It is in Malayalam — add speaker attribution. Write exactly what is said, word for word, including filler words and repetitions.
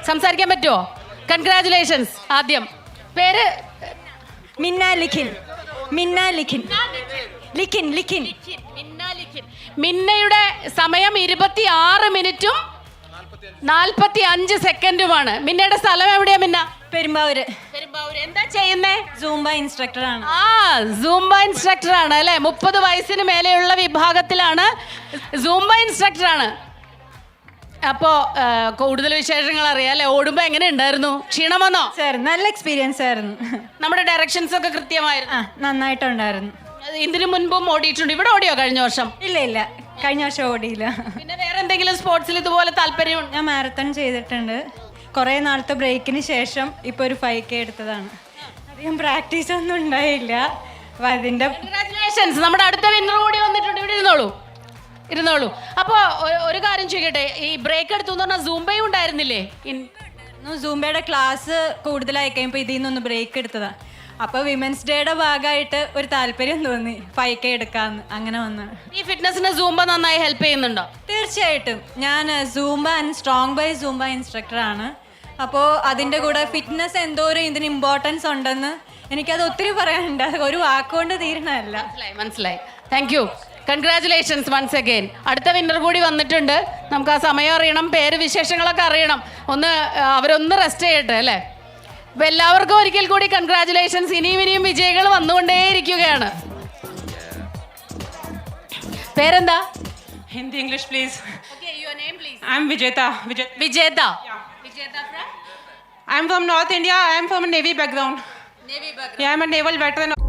Speaker 1: സംസാരിക്കാൻ പറ്റുമോ? കൺഗ്രാറ്റുലേഷൻസ്. ആദ്യം പേര്
Speaker 2: മിന്ന ലിഖിൻ. മിന്ന ലിഖിൻ. ലിഖിൻ ലിഖിൻ.
Speaker 1: മിന്നയുടെ സമയം ഇരുപത്തി ആറ് മിനിറ്റും നാൽപ്പത്തി അഞ്ച് സെക്കൻഡുമാണ്. മിന്നയുടെ സ്ഥലം എവിടെയാ മിന്ന?
Speaker 2: പെരുമ്പാവൂര്.
Speaker 1: പെരുമ്പാവൂര്. എന്താ ചെയ്യുന്നേ?
Speaker 2: സൂംബ ഇൻസ്ട്രക്ടർ ആണ്.
Speaker 1: ആ സൂംബ ഇൻസ്ട്രക്ടർ ആണ് അല്ലെ? മുപ്പത് വയസ്സിന് മേലെയുള്ള വിഭാഗത്തിലാണ്. സൂംബ ഇൻസ്ട്രക്ടർ ആണ്. അപ്പോ കൂടുതൽ വിശേഷങ്ങൾ അറിയാം അല്ലെ? ഓടുമ്പോ എങ്ങനെ ഉണ്ടായിരുന്നു? ക്ഷീണം വന്നോ?
Speaker 2: സാർ നല്ല എക്സ്പീരിയൻസ് ആയിരുന്നു.
Speaker 1: നമ്മുടെ ഡയറക്ഷൻസ് ഒക്കെ കൃത്യമായിരുന്നു.
Speaker 2: ആ നന്നായിട്ടുണ്ടായിരുന്നു.
Speaker 1: ഇതിനു മുൻപും ഓടിയിട്ടുണ്ട്. ഇവിടെ ഓടിയോ കഴിഞ്ഞ വർഷം?
Speaker 2: ഇല്ല ഇല്ല, കഴിഞ്ഞ വർഷം ഓടിയില്ല.
Speaker 1: പിന്നെ വേറെ എന്തെങ്കിലും സ്പോർട്സിൽ ഇതുപോലെ താല്പര്യം?
Speaker 2: ഞാൻ മാരത്തൺ ചെയ്തിട്ടുണ്ട്. കുറേ നാളത്തെ ബ്രേക്കിന് ശേഷം ഇപ്പോൾ ഒരു ഫൈവ് കെ എടുത്തതാണ്. അധികം പ്രാക്ടീസ് ഒന്നും ഉണ്ടായില്ല. അപ്പം അതിൻ്റെ
Speaker 1: കൺഗ്രാറ്റുലേഷൻസ്. നമ്മുടെ അടുത്ത വിന്നർ കൂടി വന്നിട്ടുണ്ട്. ഇവിടെ ഇരുന്നോളൂ ഇരുന്നോളൂ. അപ്പോൾ ഒരു കാര്യം ചോദിക്കട്ടെ, ഈ ബ്രേക്ക് എടുത്തു എന്ന് പറഞ്ഞാൽ സൂംബയും ഉണ്ടായിരുന്നില്ലേ?
Speaker 2: സൂംബയുടെ ക്ലാസ് കൂടുതലായി കഴിയുമ്പോൾ ഇതിൽ നിന്നൊന്ന് ബ്രേക്ക് എടുത്തതാണ്. അപ്പോൾ വിമൻസ് ഡേയുടെ ഭാഗമായിട്ട് ഒരു താല്പര്യം തോന്നി ഫൈവ് കെ എടുക്കാമെന്ന്. അങ്ങനെ വന്ന്
Speaker 1: ഈ ഫിറ്റ്നസിന് സൂംബ നന്നായി ഹെൽപ്പ് ചെയ്യുന്നുണ്ടോ?
Speaker 2: തീർച്ചയായിട്ടും. ഞാൻ Zumba and Strong by Zumba ഇൻസ്ട്രക്ടറാണ്. അപ്പോൾ അതിൻ്റെ കൂടെ ഫിറ്റ്നസ് എന്തോരം ഇതിന് ഇമ്പോർട്ടൻസ് ഉണ്ടെന്ന് എനിക്കത് ഒത്തിരി പറയാനുണ്ട്. ഒരു വാക്കുകൊണ്ട് തീരണമല്ല.
Speaker 1: മനസ്സിലായി മനസ്സിലായി. Thank you. Congratulations once again. അടുത്ത വിന്നർ കൂടി വന്നിട്ടുണ്ട്. നമുക്ക് ആ സമയം അറിയണം, പേര് വിശേഷങ്ങളൊക്കെ അറിയണം. ഒന്ന് അവരൊന്ന് റെസ്റ്റ് ചെയ്യട്ടെ അല്ലേ? അപ്പം എല്ലാവർക്കും ഒരിക്കൽ കൂടി കൺഗ്രാറ്റുലേഷൻസ്. ഇനിയും ഇനിയും വിജയികൾ വന്നുകൊണ്ടേയിരിക്കുകയാണ്. പേരെന്താ?
Speaker 3: Hindi, English, please.
Speaker 1: Okay, your name, please.
Speaker 3: I'm Vijeta. Vijeta.
Speaker 1: Vijeta.
Speaker 3: Yeah.
Speaker 1: Vijeta from?
Speaker 3: I'm from North India. I'm from a Navy background.
Speaker 1: Navy background.
Speaker 3: Yeah, I'm a naval veteran.